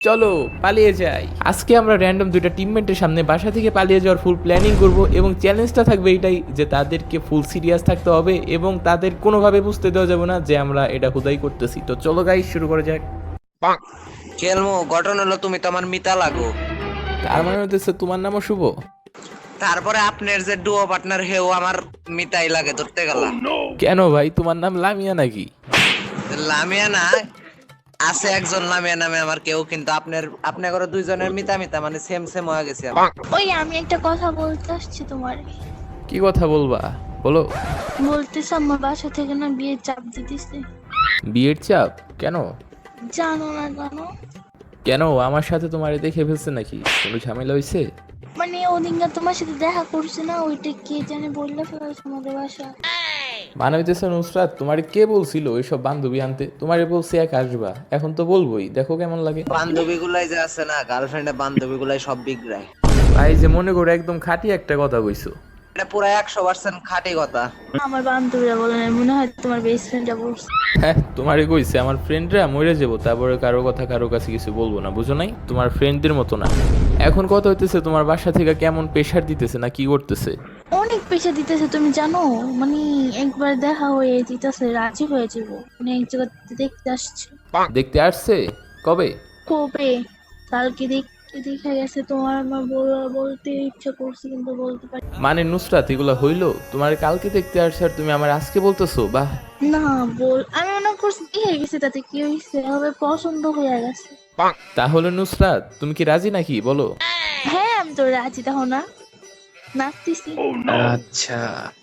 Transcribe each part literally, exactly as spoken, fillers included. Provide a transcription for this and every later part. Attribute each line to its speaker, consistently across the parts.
Speaker 1: চলো পালিয়ে যাই। আজকে আমরা র্যান্ডম দুইটা টিমমেটের সামনে বাসা থেকে পালিয়ে যাওয়ার ফুল প্ল্যানিং করব এবং চ্যালেঞ্জটা থাকবে এটাই যে তাদেরকে ফুল সিরিয়াস থাকতে হবে এবং তাদের কোনোভাবে বুঝতে দেওয়া যাবে না যে আমরা এটা হুদাই করতেছি। তো চলো গাইস শুরু করা যাক।
Speaker 2: খেলমু গঠন হলো তুমি তো আমার মিতা লাগো।
Speaker 1: তার মানে হচ্ছে তোমার নামও শুভ?
Speaker 2: তারপরে আপনার যে ডুও পার্টনার হেও আমার মিতাই লাগে ধরতে গেল।
Speaker 1: কেন ভাই তোমার নাম লামিয়া নাকি?
Speaker 2: লামিয়া না, আছে একজন লামিয়া নামে আমার কেউ, কিন্তু আপনার আপনার ঘরে দুইজনের মিতা মিতা মানে সেম সেম হয়ে গেছে।
Speaker 3: ওই আমি একটা কথা বলতে আসছি তোমার।
Speaker 1: কি কথা বলবা বলো।
Speaker 3: বলতেছে আমার বাসা থেকে না বিয়ের চাপ দিতেছে।
Speaker 1: বিয়ের চাপ কেন?
Speaker 3: জানো না জানো
Speaker 1: কেন আমার সাথে তোমারে দেখে ফেলছে নাকি? কোনো ঝামেলা হয়েছে?
Speaker 3: মানে ওদিনকে তোমার সাথে দেখা করছে না, ওইটা কে জানে বললে ফেলেছে আমাদের বাসা।
Speaker 1: মানে হইতেছে নুসরাত তোমারে কে বলছিল ওইসব বান্ধবী আনতে? তোমারে বলছে এক আসবা, এখন তো বলবোই, দেখো কেমন লাগে।
Speaker 2: বান্ধবী গুলাই যে আছে না, গার্লফ্রেন্ডের বান্ধবী গুলাই সব বিগড়ায়।
Speaker 1: ভাই যে মনে করো একদম খাঁটি একটা কথা কইছো।
Speaker 2: এটা পুরো একশো পার্সেন্ট খাঁটি কথা।
Speaker 3: আমার বান্ধবীরা বলে না, মনে হয় তোমার বেস্ট ফ্রেন্ডটা বলছে।
Speaker 1: হ্যাঁ তোমারে কইছে আমার ফ্রেন্ডরা মরে যাবো তারপরে কারো কথা কারো কাছে কিছু বলবো না, বুঝো নাই? তোমার ফ্রেন্ডদের মতো না। এখন কথা হইতেছে তোমার বাসা থেকে কেমন প্রেশার দিতেছে না কি করতেছে?
Speaker 3: অনেক পেশা দিতেছে তুমি জানো, মানে একবার দেখা হয়ে দিতেছে রাজি হয়ে যাবো, মানে এক জায়গাতে দেখতে আসছে।
Speaker 1: দেখতে আসছে? কবে?
Speaker 3: কবে? কালকে দেখতে দেখা গেছে। তোমার আমার বল- বলতে ইচ্ছা করছে কিন্তু বলতে পারি
Speaker 1: মানে নুসরাত এগুলো হইলো? তোমার কালকে দেখতে আসছে আর তুমি আমার আজকে বলতেছো? বাহ।
Speaker 3: না। বল আমি মনে করছি দেখে গেছে, তাতে কি হয়েছে, হবে পছন্দ হয়ে গেছে।
Speaker 1: তাহলে নুসরাত তুমি কি রাজি নাকি বলো?
Speaker 3: হ্যাঁ আমি তো রাজি, দেখো না নাচতেছি।
Speaker 1: আচ্ছা।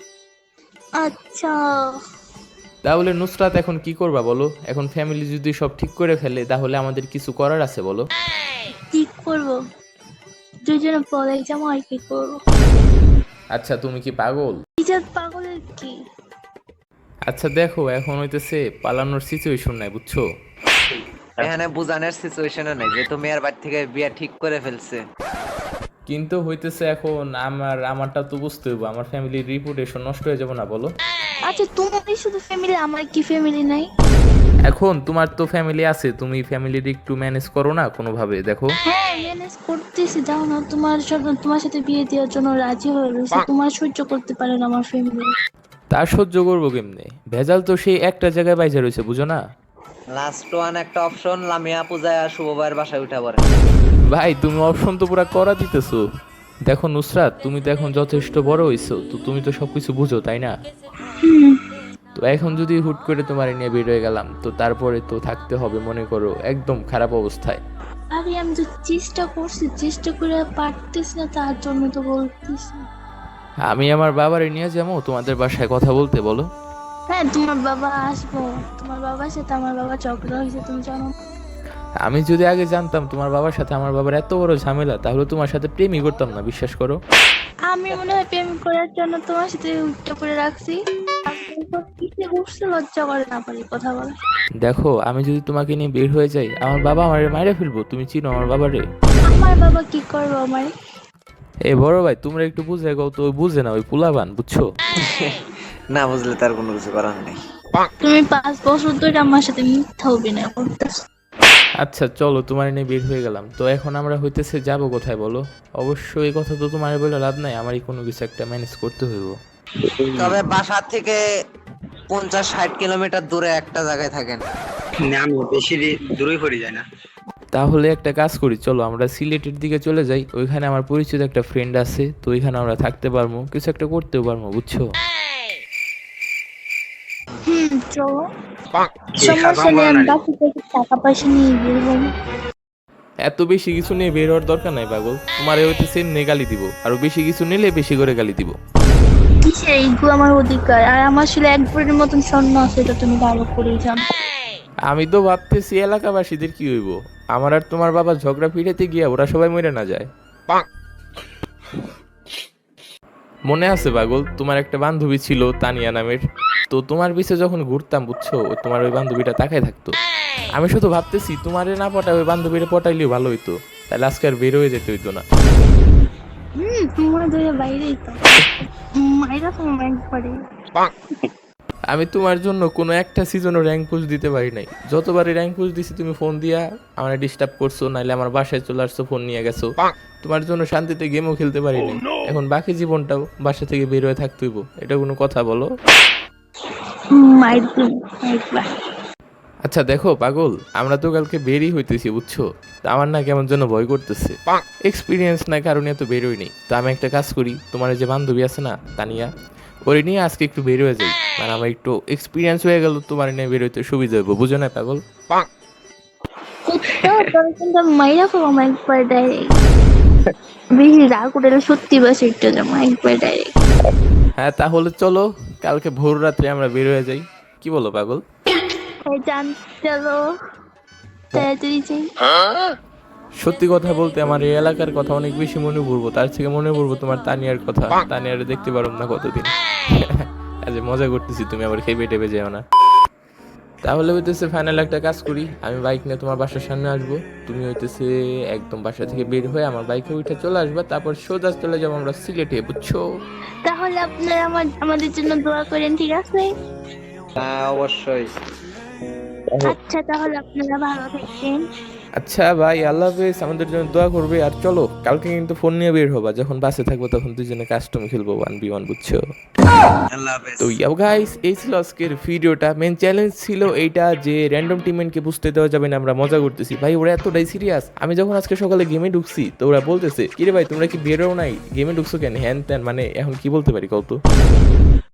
Speaker 3: আচ্ছা
Speaker 1: তাহলে নুসরাত এখন কি করবা বলো? এখন ফ্যামিলি যদি সব ঠিক করে ফেলে তাহলে আমাদের কিছু করার আছে বলো?
Speaker 3: কি করবো, দুজনে পলাই যাবো আর কি করবো।
Speaker 1: আচ্ছা তুমি কি পাগল?
Speaker 3: ইজাত পাগলের কি?
Speaker 1: আচ্ছা দেখো এখন হইতেছে পালানোর সিচুয়েশন নাই, বুঝছো?
Speaker 2: এখানে বুঝানোর সিচুয়েশনে নেই, যেহেতু মেয়ের বাড়ি থেকে বিয়ে ঠিক করে ফেলছে।
Speaker 1: কিন্তু হইতেছে এখন আমার আমারটা তো বুঝতে হইব, আমার ফ্যামিলির রিপুটেশন নষ্ট হয়ে যাবে না বলো?
Speaker 3: আচ্ছা তোমারই শুধু ফ্যামিলি, আমার কি ফ্যামিলি নাই?
Speaker 1: এখন তোমার তো ফ্যামিলি আছে, তুমি ফ্যামিলির একটু ম্যানেজ করো না কোনোভাবে, দেখো।
Speaker 3: হ্যাঁ ম্যানেজ করতেছি, যাও না তোমার সাথে, তোমার সাথে বিয়ে দেওয়ার জন্য রাজি হয়ে গেছে। তোমার সহ্য করতে পারে না আমার ফ্যামিলি।
Speaker 1: তা সহ্য করবো কেমনে? ভেজাল তো সেই একটা জায়গায় বাইজা রয়েছে, বুঝো না?
Speaker 2: লাস্ট ওয়ান একটা অপশন, লামিয়া পূজায় আর শুভ ভাইয়ের বাসায় উঠা পড়ে।
Speaker 1: ভাই তুমি অপশন তো পুরা করা দিতেছো। দেখো নুসরাত তুমি তো এখন যথেষ্ট বড় হইছো, তো তুমি তো সবকিছু বুঝো তাই না? তো এখন যদি হুট করে তোমার নিয়ে বের হয়ে গেলাম তো তারপরে তো থাকতে হবে মনে করো একদম খারাপ অবস্থায়।
Speaker 3: আরে আমি তো চেষ্টা করছি, চেষ্টা করে পারতেছি না, তার জন্য তো বলতেছি।
Speaker 1: আমি আমার বাবারে নিয়ে যাবো তোমাদের বাসায় কথা বলতে, বলো?
Speaker 3: হ্যাঁ তোমার বাবা আসবো, তোমার বাবার সাথে আমার বাবা ঝগড়া হয়েছে তুমি জানো।
Speaker 1: আমি যদি আগে জানতাম তোমার বাবার সাথে আমার বাবার এত বড় ঝামেলা তাহলে তোমার সাথে প্রেমই করতাম না, বিশ্বাস করো।
Speaker 3: আমি মনে হয় প্রেম করার জন্য তোমার সাথে উল্টো করে রাখছি। কিসে উঠছে, লজ্জা করে না পারি কথা বলে।
Speaker 1: দেখো আমি যদি তোমাকে নিয়ে বের হয়ে যাই আমার বাবা আমারে মাইরে ফেলবো, তুমি চিনো আমার বাবারে?
Speaker 3: আমার বাবা কি করবো আমার?
Speaker 1: এ বড় ভাই তোমরা একটু বুঝে গাও তো, ওই বুঝে না, ওই পুলাবান, বুঝছো?
Speaker 2: না বুঝলে তার কোনো কিছু করার নেই।
Speaker 3: তুমি পাঁচ বছর ধরে আমার সাথে মিথ্যা অভিনয় করতেছো।
Speaker 1: আচ্ছা চলো তোমার নিয়ে বের হয়ে গেলাম, তো এখন আমরা হইতেছে যাব কোথায় বলো? অবশ্যই এই কথা তো তোমার বলে লাভ নাই, আমারই কোনো কিছু একটা ম্যানেজ করতে হইব।
Speaker 2: তবে বাসা থেকে পঞ্চাশ ষাট কিলোমিটার দূরে একটা জায়গায় থাকেন।
Speaker 4: না আমি বেশি দি- দূরেই পড়ে যায় না।
Speaker 1: তাহলে একটা কাজ করি, চলো আমরা সিলেটের দিকে চলে যাই, ওইখানে আমার পরিচিত একটা ফ্রেন্ড আছে, তো ওইখানে আমরা থাকতে পারবো, কিছু একটা করতেও পারবো, বুঝছো?
Speaker 3: হুম চলো,
Speaker 4: কি
Speaker 3: সমস্যা
Speaker 4: খাবা
Speaker 3: নেই, আমি
Speaker 4: মানালি?
Speaker 3: বাকি থেকে টাকা পয়সা নিয়ে বের হবো।
Speaker 1: এত বেশি কিছু নিয়ে বের হওয়ার দরকার নাই পাগল, তোমার হইতেছে নে গালি দিব, আরো বেশি কিছু নিলে বেশি করে গালি দিব।
Speaker 3: কিসের এইগুলো আমার অধিকার, আর আমার আসলে এক ভরির মতন স্বর্ণ আছে, এটা তুমি ভালো করেই জানো।
Speaker 1: আমি তো ভাবতেছি এলাকাবাসীদের কি হইব, আমার আর তোমার বাবা ঝগড়া ফিরাতে গিয়া ওরা সবাই মরে না যায়। মনে আছে পাগল তোমার একটা বান্ধবী ছিল তানিয়া নামের, তো তোমার পিছে যখন ঘুরতাম বুঝছো, ওই তোমার ওই বান্ধবীটা তাকায় থাকতো। আমি শুধু ভাবতেছি তোমারে না পটায় ওই বান্ধবীরা পটাইলেও ভালো হইতো, তাহলে আজকে আর বের হয়ে যেতে হইতো না।
Speaker 3: হুম তোমার ধরে বাইরেই তো মাইরা তোমার একবারে।
Speaker 1: আমি তোমার জন্য কোনো একটা সিজনও র্যাঙ্ক পুশ দিতে পারি নাই। যতবারই র্যাঙ্ক পুশ দিছি তুমি ফোন দিয়া আমার ডিস্টার্ব করছো, নাইলে আমার বাসায় চলে আসছো, ফোন নিয়ে গেছো। তোমার জন্য শান্তিতে গেমও খেলতে পারি নাই। এখন বাকি জীবনটাও বাসা থেকে বের হয়ে থাকতে হইব, এটা কোনো কথা বলো?
Speaker 3: মাইর দিন একবার।
Speaker 1: আচ্ছা দেখো পাগল, আমরা তো কালকে বেরই হইতেছি বুঝছো, তা আমার না কেমন যেন ভয় করতেছে। এক্সপিরিয়েন্স না কারণে এত বেরোই নেই। তো আমি একটা কাজ করি, তোমার যে বান্ধবী আছে না তানিয়া, ওরে নিয়ে আজকে একটু বের হয়ে যাই, মানে আমার একটু এক্সপিরিয়েন্স হয়ে গেল, তোমার নিয়ে বের হইতে সুবিধা হইব, বুঝো না পাগল?
Speaker 3: কুত্তা তোর কিন্তু মাইরা পাবো একবার ডাইরেক্ট। বেশি রাগ উঠলে সত্যি বাসে একটু যাবো একবার ডাইরেক্ট।
Speaker 1: হ্যাঁ তাহলে চলো কালকে ভোর রাত্রে আমরা বের হয়ে যাই, কি বলো পাগল?
Speaker 3: এই জান চলো তাড়াতাড়ি যাই।
Speaker 1: সত্যি কথা বলতে আমার এই এলাকার কথা অনেক বেশি মনে পড়বো, তার থেকে মনে পড়বো তোমার তানিয়ার কথা। তানিয়ারে দেখতে পারো না কতদিন। আজ মজা করতেছি, তুমি আবার খেয়ে টেপে যেও না। তাহলে হইতেছে ফাইনাল একটা কাজ করি, আমি বাইক নিয়ে তোমার বাসার সামনে আসবো, তুমি হইতেছে একদম বাসা থেকে বের হয়ে আমার বাইকে উঠে চলে আসবা, তারপর সোজা চলে যাবো আমরা সিলেটে, বুঝছো?
Speaker 3: তাহলে আপনারা আমার আমাদের জন্য দোয়া করেন, ঠিক আছে?
Speaker 2: হ্যাঁ অবশ্যই।
Speaker 3: আচ্ছা তাহলে আপনারা ভালো থাকেন।
Speaker 1: আচ্ছা ভাই, আল্লাহ হাফেজ, আমাদের জন্য দোয়া করবে। আর চলো কালকে কিন্তু ফোন নিয়ে বের হবা, যখন বাসে থাকবো তখন দুজনে কাস্টম খেলবো ওয়ান বি ওয়ান, বুঝছো?
Speaker 2: আল্লাহ হাফেজ।
Speaker 1: তো ইয়াও গাইস, এই ছিল আজকের ভিডিওটা। মেন চ্যালেঞ্জ ছিল এইটা যে র্যান্ডম টিমমেটকে বুঝতে দেওয়া যাবে না আমরা মজা করতেছি। ভাই ওরা এতটাই সিরিয়াস, আমি যখন আজকে সকালে গেমে ঢুকছি তো ওরা বলতেছে কিরে ভাই তোমরা কি বেরোও নাই, গেমে ঢুকছো কেন, হ্যান ত্যান, মানে এখন কি বলতে পারি কত?